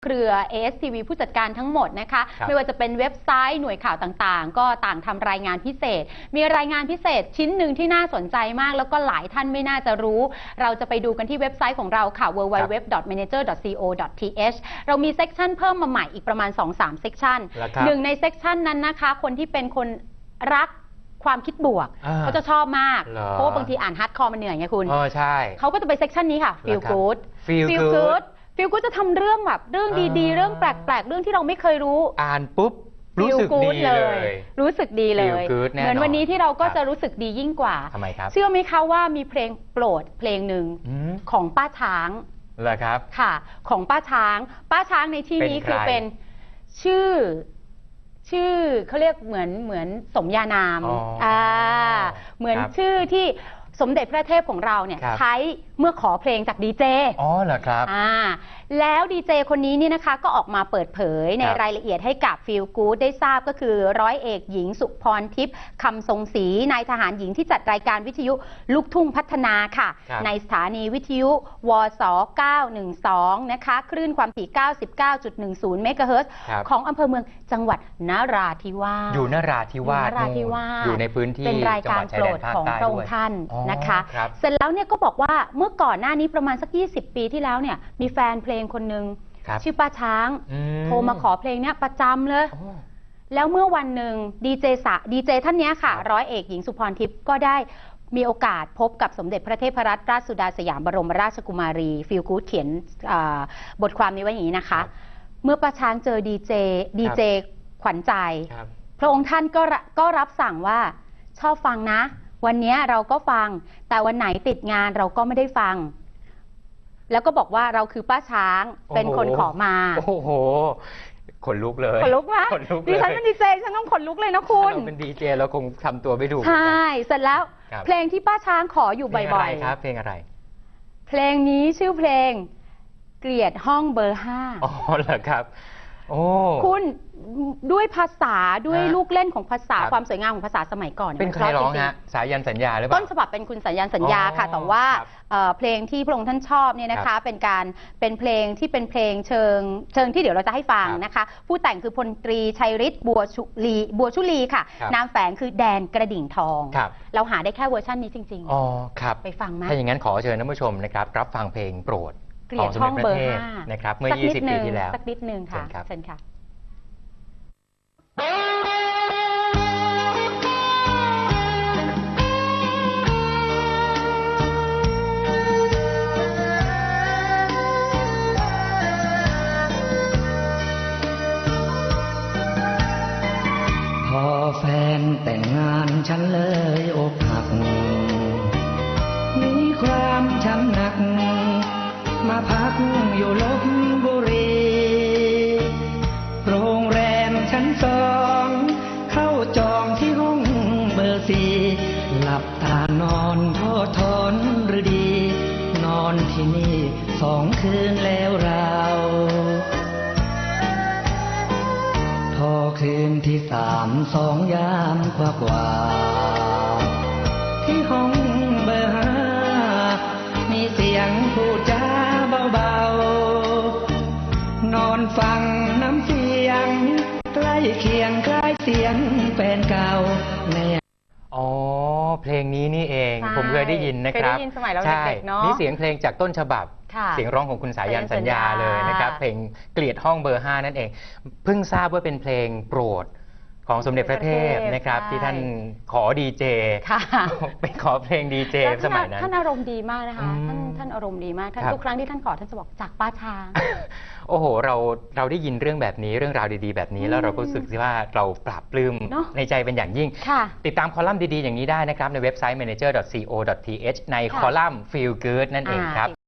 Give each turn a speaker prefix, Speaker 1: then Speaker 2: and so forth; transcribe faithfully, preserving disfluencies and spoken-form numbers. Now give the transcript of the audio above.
Speaker 1: เครือ เอ เอส ที วี ผู้จัดการทั้งหมดนะคะไม่ว่าจะเป็นเว็บไซต์หน่วยข่าวต่างๆก็ต่างทำรายงานพิเศษมีรายงานพิเศษชิ้นหนึ่งที่น่าสนใจมากแล้วก็หลายท่านไม่น่าจะรู้เราจะไปดูกันที่เว็บไซต์ของเราค่ะ ดับเบิลยู ดับเบิลยู ดับเบิลยู ดอท แมเนเจอร์ ดอท ซี โอ ดอท ที เอช เรามีเซกชันเพิ่มมาใหม่อีกประมาณ สองสาม เซกชันหนึ่งในเซกชันนั้นนะคะคนที่เป็นคนรักความคิดบวกเขาจะชอบมากเพราะว่าบางทีอ่านฮาร์ดคอร์มันเหนื่อยไงคุณ
Speaker 2: ใช่
Speaker 1: เขาก็จะไปเซกชันนี้ค่ะ Feel Good
Speaker 2: Feel Good
Speaker 1: ฟิลกูจะทำเรื่องแบบเรื่องดีๆเรื่องแปลกๆเรื่องที่เราไม่เคยรู้
Speaker 2: อ่านปุ๊บรู้สึกดีเลย
Speaker 1: รู้สึกดีเลยเหมือนวันนี้ที่เราก็จะรู้สึกดียิ่งกว่า
Speaker 2: ทำไมครับ
Speaker 1: เชื่อไหมคะว่ามีเพลงโปรดเพลงหนึ่งของป้าช้าง
Speaker 2: เหรอครับ
Speaker 1: ค่ะของป้าช้างป้าช้างในที่นี้คือเป็นชื่อชื่อเขาเรียกเหมือนเหมือนสมญานามอ่าเหมือนชื่อที่สมเด็จพระเทพของเราเนี่ยใช้เมื่อขอเพลงจากดีเจ
Speaker 2: อ๋อเหรอครับ
Speaker 1: อ่าแล้วดีเจคนนี้นี่นะคะก็ออกมาเปิดเผยในรายละเอียดให้กับ Feel Good ได้ทราบก็คือร้อยเอกหญิงสุพรทิพย์คำทรงศรีนายทหารหญิงที่จัดรายการวิทยุลูกทุ่งพัฒนาค่ะในสถานีวิทยุวสเก้าหนึ่งสองนะคะคลื่นความถี่ เก้าสิบเก้าจุดหนึ่งศูนย์ เมกะเฮิรตซ์ของอำเภอเมืองจังหวัดนราธิวาส
Speaker 2: อยู่นราธิวาสอยู่ในพื้นที่
Speaker 1: เป็นรายการโปรดของพระองค์ท่านนะคะเสร็จแล้วเนี่ยก็บอกว่าเมื่อก่อนหน้านี้ประมาณสักยี่สิบปีที่แล้วเนี่ยมีแฟนเพลงคนหนึ่งชื่อป้าช้างโทรมาขอเพลงเนี้ยประจำเลยแล้วเมื่อวันหนึ่งดีเจสะดีเจท่านนี้ค่ะร้อยเอกหญิงสุพรทิพย์ก็ได้มีโอกาสพบกับสมเด็จพระเทพรัตนราชสุดาสยามบรมราชกุมารีฟิลกู๊ดเขียนบทความนี้ไว้อย่างนี้นะคะเมื่อป้าช้างเจอดีเจดีเจขวัญใจพระองค์ท่านก็ก็รับสั่งว่าชอบฟังนะวันนี้เราก็ฟังแต่วันไหนติดงานเราก็ไม่ได้ฟังแล้วก็บอกว่าเราคือป้าช้างเป็นคนขอมา
Speaker 2: โอ้โหขนลุกเลย
Speaker 1: ขนลุกไหมดิฉันเป็นดีเจฉันต้องขนลุกเลยนะคุณ
Speaker 2: เราเป็นดีเจเราคงทำตัวไม่ถูก
Speaker 1: ใช่เสร็จแล้วเพลงที่ป้าช้างขออยู่บ่อย
Speaker 2: ๆครับเพลงอะไร
Speaker 1: เพลงนี้ชื่อเพลงเกลียดห้องเบอร์ห้า
Speaker 2: อ๋อเหรอครับโอ้
Speaker 1: คุณด้วยภาษาด้วยลูกเล่นของภาษาความสวยงามของภาษาสมัยก่อน
Speaker 2: เป็นใครร้องฮะสายันสัญญาหรือเปล่า
Speaker 1: ต้นฉบับเป็นคุณสายันสัญญาค่ะแต่ว่าเพลงที่พระองค์ท่านชอบเนี่ยนะคะเป็นการเป็นเพลงที่เป็นเพลงเชิงเชิงที่เดี๋ยวเราจะให้ฟังนะคะผู้แต่งคือพลตรีชัยฤทธิ์บัวชุลีบัวชุลีค่ะนามแฝงคือแดนกระดิ่งทองเราหาได้แค่เวอร์ชันนี้จริงๆ
Speaker 2: อ๋อครับ
Speaker 1: ไปฟังไหม
Speaker 2: ถ้าอย่างนั้นขอเชิญท่านผู้ชมนะครับรับฟังเพลงโปรดของสมเด็จพระเทพนะครับเมื่อยี่สิบปีที่แล้ว
Speaker 1: สักนิดนึงค่ะเชิญค่ะ
Speaker 3: พอแฟนแต่งงานฉันเลยอกหักมีความช้ำหนักมาพักอยู่ลพบุรีโรงแรมชั้นสองเข้าจองที่ห้องเบอร์สี่หลับตานอนทอดทนหรือดีนอนที่นี่สองคืนแล้วเราพอคืนที่สามสองยามกว่ากว่าที่ห้องเบอร์ห้ามีเสียงพูดจาเบาๆนอนฟังน้ำเสียงใกล้เคียงคล้ายเสียงแฟนเก่าใน
Speaker 2: อ๋อเพลงนี้นี่เองผมเคยได้ยินนะครับ
Speaker 1: เคยได้ยินสมัยเราเด็กๆเนาะ
Speaker 2: นี่เสียงเพลงจากต้นฉบับเสียงร้องของคุณสายันสัญญาเลยนะครับเพลงเกลียดห้องเบอร์ห้านั่นเองเพิ่งทราบว่าเป็นเพลงโปรดของสมเด็จพระเทพนะครับที่ท่านขอดีเจไปขอเพลงดีเจสมัยนั้น
Speaker 1: ท่านอารมณ์ดีมากนะคะท่านท่านอารมณ์ดีมากท่านทุกครั้งที่ท่านขอท่านจะบอกจากป้าช้าง
Speaker 2: โอ้โหเราเราได้ยินเรื่องแบบนี้เรื่องราวดีๆแบบนี้แล้วเราก็รู้สึกว่าเราปราบปลื้มในใจเป็นอย่างยิ่งติดตามคอลัมน์ดีๆอย่างนี้ได้นะครับในเว็บไซต์ แมเนเจอร์ ดอท ซี โอ ดอท ที เอช ในคอลัมน์ Feel Good นั่นเองครับ